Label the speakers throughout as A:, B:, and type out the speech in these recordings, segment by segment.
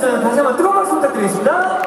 A: 여러분 다시 한번 뜨거운 박수 부탁드리겠습니다.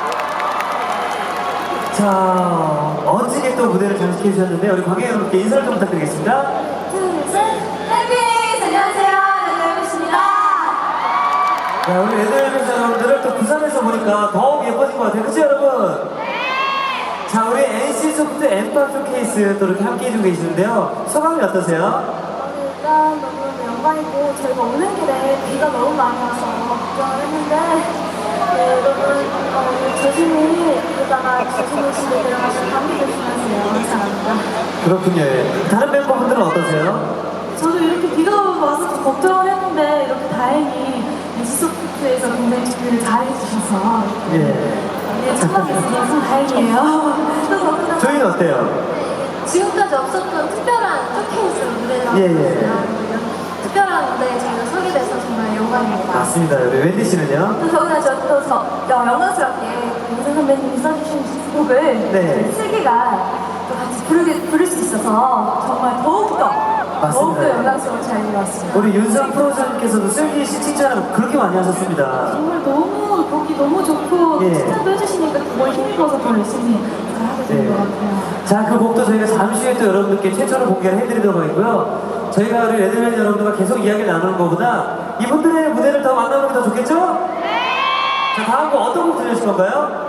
A: 자, 멋지게 또 무대를 장식해 주셨는데 우리 관객 여러분께 인사를 좀 부탁드리겠습니다.
B: 둘, 셋, 해피니스! 안녕하세요, 레드벨벳입니다.
A: 자, 우리 레드벨벳 여러분들을 또 부산에서 보니까 더욱 예뻐진 것 같아요. 그치 여러분? 자, 우리 NC소프트 엠파 쇼케이스 또 이렇게 함께 해주고 계시는데요. 소감이 어떠세요?
B: 일단 너무 영광이고 저희가 오는 길에 비가 너무 많이 와서 걱정을 했는데 여러분 조심히 이러다가 조심히 집에 들어가서 감기 조심하세요. 감사합니다.
A: 그렇군요. 예. 다른 멤버분들은 어떠세요?
B: 저도 이렇게 비가 와서 좀 걱정을 했는데 이렇게 다행히 NC소프트에서 굉장히 준비를 잘 해주셔서
A: 예.
B: 참석해서 다행이에요. 또 더군다나
A: 저희는 어때요?
B: 지금까지 없었던 특별한 쇼케이스로 무대를 하고
A: 예, 예.
B: 있어요. 특별한 무대에 저희가 서게 돼서 정말 영광입니다.
A: 맞습니다. 우리 웬디 씨는요?
B: 또 더구나 저도 영광스럽게 윤선 선배님이 써주신 곡을
A: 네.
B: 슬기가 또 같이 부를 수 있어서 정말 더욱더 영광스러운 자리에 왔습니다.
A: 우리 윤상 프로님께서도 슬기 씨 칭찬을 그렇게 많이 하셨습니다.
B: 정말 너무 보기 너무 좋고
A: 예.
B: 칭찬도 해주시니까 정말 힘입어서 더 열심히 잘하게 된 것 같아요.
A: 자, 그 곡도 저희가 잠시 후에 또 여러분들께 최초로 공개를 해드리도록 하겠고요. 저희가 우리 레드벨 여러분들과 계속 이야기를 나누는 것보다 이분들의 무대를 더 만나보는 게 더 좋겠죠? 자, 다음 곡 어떤 곡 들려주실 건가요?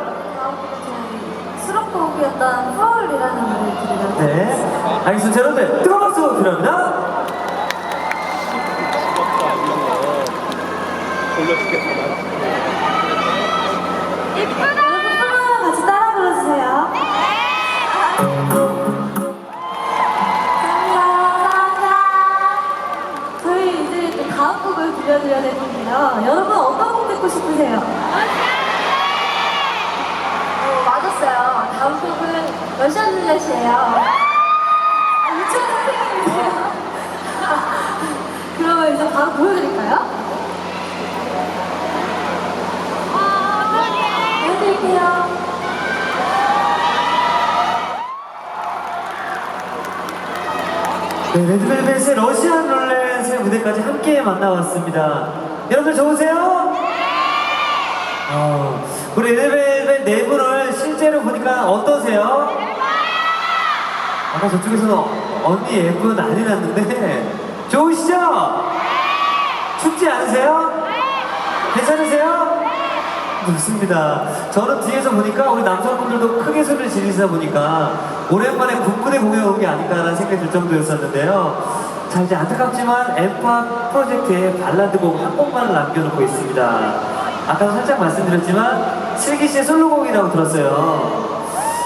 B: 수록곡이었던 프로울이라는 노래를 들으려고
A: 네. 알겠습니다. 여러분들, 뜨거운 박수 필요합니다.
B: 여러분 프로 같이 따라 불러주세요. 감사합니다. 저희 이제 또 다음 곡을 들려드려야 될 텐데요. 여러분 어떤 곡 듣고 싶으세요? 맞았어요. 다음 곡은 러시안 룰렛이에요. 유치원 선생님이세요. 그러면 이제 바로 보여드릴까요? 보여드릴게요.
A: 네, 레드벨벳의 러시안 룰렛의 무대까지 함께 만나봤습니다. 여러분들 좋으세요? 우리 레드벨벳 네 분을 실제로 보니까 어떠세요? 아까 저쪽에서 언니 예쁜 난리 났는데 좋으시죠? 춥지 않으세요? 괜찮으세요? 좋습니다. 저는 뒤에서 보니까 우리 남성분들도 크게 소리를 지르시다 보니까 오랜만에 군부대 공연 온 게 아닐까라는 생각이 들 정도였었는데요. 자, 이제 안타깝지만 엠파 프로젝트의 발라드곡 한 곡만을 남겨놓고 있습니다. 아까도 살짝 말씀드렸지만 슬기 씨의 솔로곡이라고 들었어요.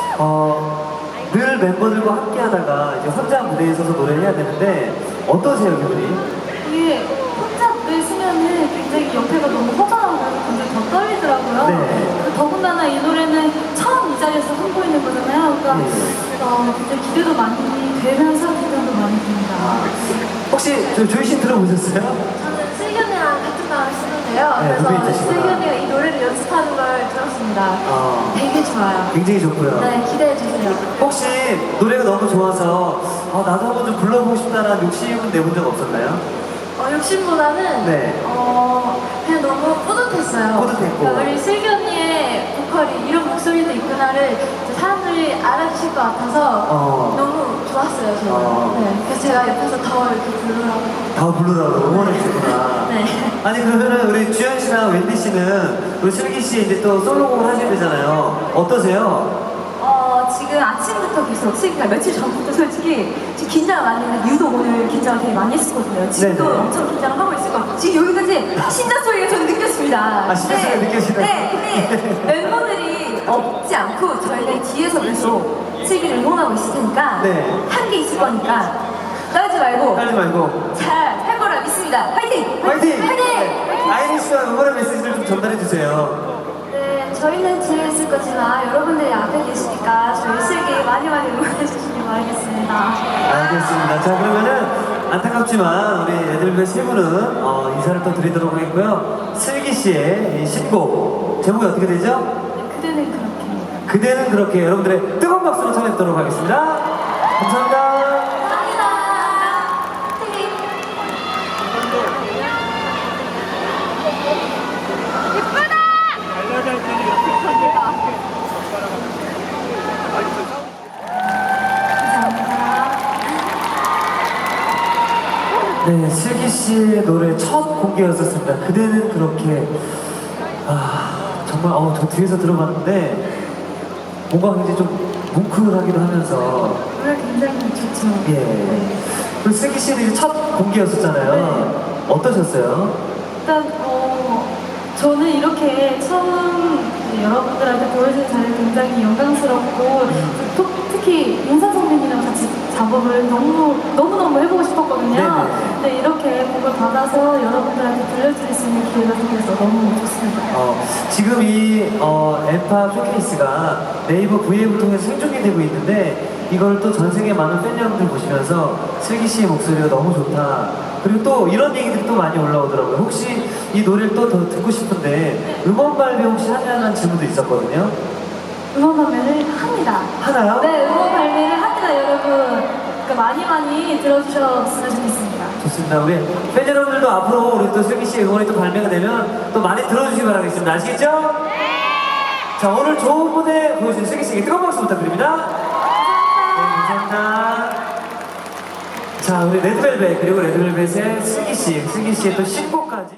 A: 늘 멤버들과 함께 하다가 이제 혼자 무대에 서서 노래를 해야 되는데 어떠세요, 기분이?
B: 이게 혼자 무대 쓰면은 굉장히 옆에가 너무 허전하고 굉장히 더 떨리더라고요.
A: 네.
B: 더군다나 이 노래는 처음 이 자리에서 선보이는 거잖아요. 그러니까 굉장히 기대도 많이 되면서 긴장도 많이 됩니다.
A: 혹시 조이 씨 들어보셨어요?
B: 저는 슬기 언니랑 같은 방을 쓰는데요.
A: 네,
B: 그래서
A: 루비이트시구나.
B: 슬기 언니가 이 노래를 연습하는 걸 들었습니다. 되게 좋아요.
A: 굉장히 좋고요.
B: 네, 기대해주세요.
A: 혹시 노래가 너무 좋아서 나도 한번 좀 불러보고 싶다는 욕심은 내본 적 없었나요?
B: 욕심보다는
A: 네.
B: 그냥 너무 뿌듯했어요.
A: 뿌듯했고.
B: 그러니까 우리 슬기 언니의 보컬이 이런 목소리도 있구나를 이제 사람들이 알아주실 것 같아서 너무 좋았어요, 저는. 네, 그래서 제가 옆에서 더 이렇게 부르라고.
A: 다 부르라고 응원해주구나.
B: 네.
A: 아니 그러면은 우리 주현 씨랑 웬디 씨는 우리 슬기 씨 이제 또 솔로곡을 하시게 되잖아요. 어떠세요?
B: 지금 아침부터 계속 슬기가 며칠 전부터 솔직히 지금 긴장을 많이 했는데 유독 오늘 긴장을 되게 많이 했었거든요. 지금도
A: 네네.
B: 엄청 긴장을 하고 있을 것 같고 지금 여기까지 심장 소리가 저는 느꼈습니다.
A: 심장 소리가 느껴지나요?
B: 네, 근데 멤버들이 없지 않고 저희는 뒤에서 계속 슬기를 응원하고 있을 테니까
A: 네.
B: 한 게 있을 거니까 떨지 말고
A: 하지 말고
B: 잘 할 거라 믿습니다. 화이팅!
A: 화이팅!
B: 화이팅!
A: 아이린 씨가 응원의 메시지를 좀 전달해 주세요.
B: 네, 저희는 뒤에 있을 거지만 여러분들이 앞에 계시니까 저희 슬기 많이 응원해 주시기 바라겠습니다.
A: 알겠습니다. 자, 그러면은 안타깝지만 우리 애들별 세 분은 인사를 또 드리도록 하겠고요. 슬기 씨의 이 신곡 제목이 어떻게 되죠?
B: 네, 그대는 그렇게.
A: 그대는 그렇게 여러분들의 뜨거운 박수로 청해드리도록 하겠습니다. 감사합니다.
B: 감사합니다.
C: 예쁘다!
A: 네, 슬기 씨의 노래 첫 공개였었습니다. 그대는 그렇게 정말 저 뒤에서 들어봤는데 뭔가 굉장히 좀 뭉클하기도 하면서
B: 노래 굉장히 좋죠.
A: 예. 그 슬기 씨는 이제 첫 공개였었잖아요.
B: 네.
A: 어떠셨어요?
B: 일단 저는 이렇게 처음 이제 여러분들한테 보여주는 자리 굉장히 영광스럽고 특히 윤사 선배님이랑 같이 작업을 너무너무 해보고 싶었거든요.
A: 네네.
B: 근데 이렇게 곡을 받아서 여러분들한테 들려드릴 수 있는 기회가 생겨서 너무 좋습니다.
A: 지금 이 엠파 쇼케이스가 네이버 V앱을 통해서 생중계 되고 있는데 이걸 또 전 세계 많은 팬 여러분들 보시면서 슬기 씨의 목소리가 너무 좋다. 그리고 또 이런 얘기들이 또 많이 올라오더라고요. 혹시 이 노래를 또 더 듣고 싶은데 음원 발매 혹시 하냐는 질문도 있었거든요.
B: 음원 발매를 합니다.
A: 하나요?
B: 네, 음원 발매를 합니다, 여러분. 그러니까 많이 들어주셨으면 좋겠습니다.
A: 좋습니다. 우리 팬 여러분들도 앞으로 우리 또 슬기 씨의 음원이 또 발매가 되면 또 많이 들어주시기 바라겠습니다. 아시겠죠? 네! 자, 오늘 좋은 무대 보여주신 슬기 씨에게 뜨거운 박수 부탁드립니다. 네, 감사합니다. 자, 우리 레드벨벳 그리고 레드벨벳의 슬기 씨의 또 신곡까지.